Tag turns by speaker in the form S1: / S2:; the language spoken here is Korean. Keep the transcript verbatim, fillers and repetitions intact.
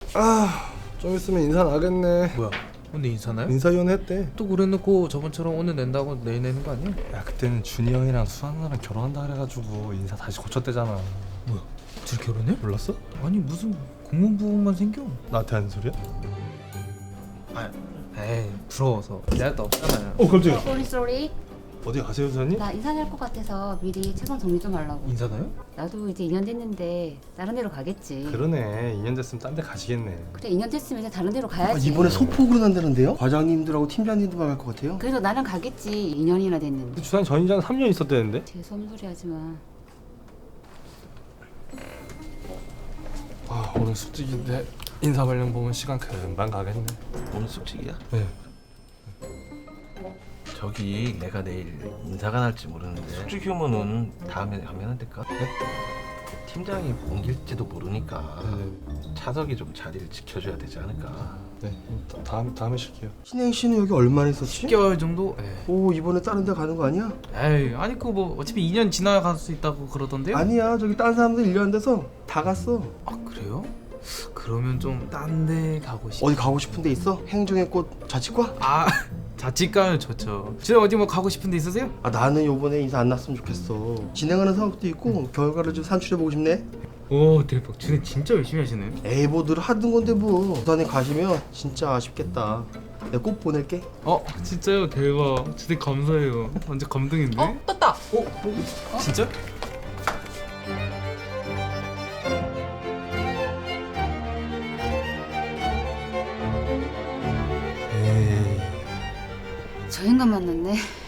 S1: 아, 좀 있으면 인사 나겠네.
S2: 뭐야? 오늘 인사나요?
S1: 인사위원회 했대.
S2: 또 그래놓고 저번처럼 오늘 낸다고 내일 내는 거 아니야?
S1: 야, 그때는 준이 형이랑 수아나랑 결혼한다 그래가지고 인사 다시 고쳤대잖아.
S2: 뭐야? 둘 결혼해?
S1: 몰랐어?
S2: 아니 무슨 공무부만 생겨?
S1: 나한테 하는 소리야?
S2: 아, 에이 부러워서 내할 데 없잖아요.
S1: 어, 깜짝이야.
S3: 쏘리 쏘리.
S1: 어디 가세요, 수사님?
S3: 나 인사 낼 것 같아서 미리 책상 정리 좀 하려고.
S2: 인사나요?
S3: 나도 이제 이 년 됐는데 다른 데로 가겠지.
S1: 그러네. 이 년 됐으면 딴 데 가시겠네.
S3: 그래 이 년 됐으면 이제 다른 데로
S4: 아,
S3: 가야지.
S4: 이번에 소폭으로 난다는데요? 과장님들하고 팀장님들만 갈 것 같아요.
S3: 그래도 나는 가겠지. 이 년이나 됐는데.
S1: 주사님 전 인장 삼 년 있었대는데?
S3: 재수없는 소리 하지 마.
S1: 아, 오늘 숙직인데 인사 관련 보면 시간 금방 가겠네.
S5: 오늘 숙직이야?
S1: 네.
S5: 저기 내가 내일 인사가 날지 모르는데 숙직 휴무는 다음에 하면 안 될까? 네? 팀장이 옮길지도 모르니까
S1: 네.
S5: 차석이 좀 자리를 지켜줘야 되지 않을까?
S1: 네. 다- 다음 다음에 쉴게요.
S4: 신행 씨는 여기 얼마나 있었지?
S2: 십 개월 정도? 에이,
S4: 오, 이번에 다른 데 가는 거 아니야?
S2: 에이 아니 그 뭐 어차피 이 년 지나야 갈 수 있다고 그러던데요?
S4: 아니야, 저기 딴 사람들 일 년 돼서 다 갔어.
S2: 아 그래요? 그러면 좀 딴 데 가고 싶.
S4: 어디 가고 싶은 데 있어? 행정의 꽃 자치과?
S2: 아 자취가요 좋죠. 진짜 어디 뭐 가고 싶은 데 있으세요?
S4: 아, 나는 요번에 인사 안 났으면 좋겠어. 진행하는 사업도 있고 결과를 좀 산출해보고 싶네.
S2: 오 대박. 준이 진짜 열심히 하시네.
S4: 에이, 뭐 늘 하던 건데 뭐. 부산에 가시면 진짜 아쉽겠다. 내가 꼭 보낼게.
S2: 어 진짜요? 대박. 진짜 감사해요. 완전 감동인데?
S6: 어? 떴다!
S2: 어? 어? 진짜?
S1: 에이.
S3: 저 인간 만났네.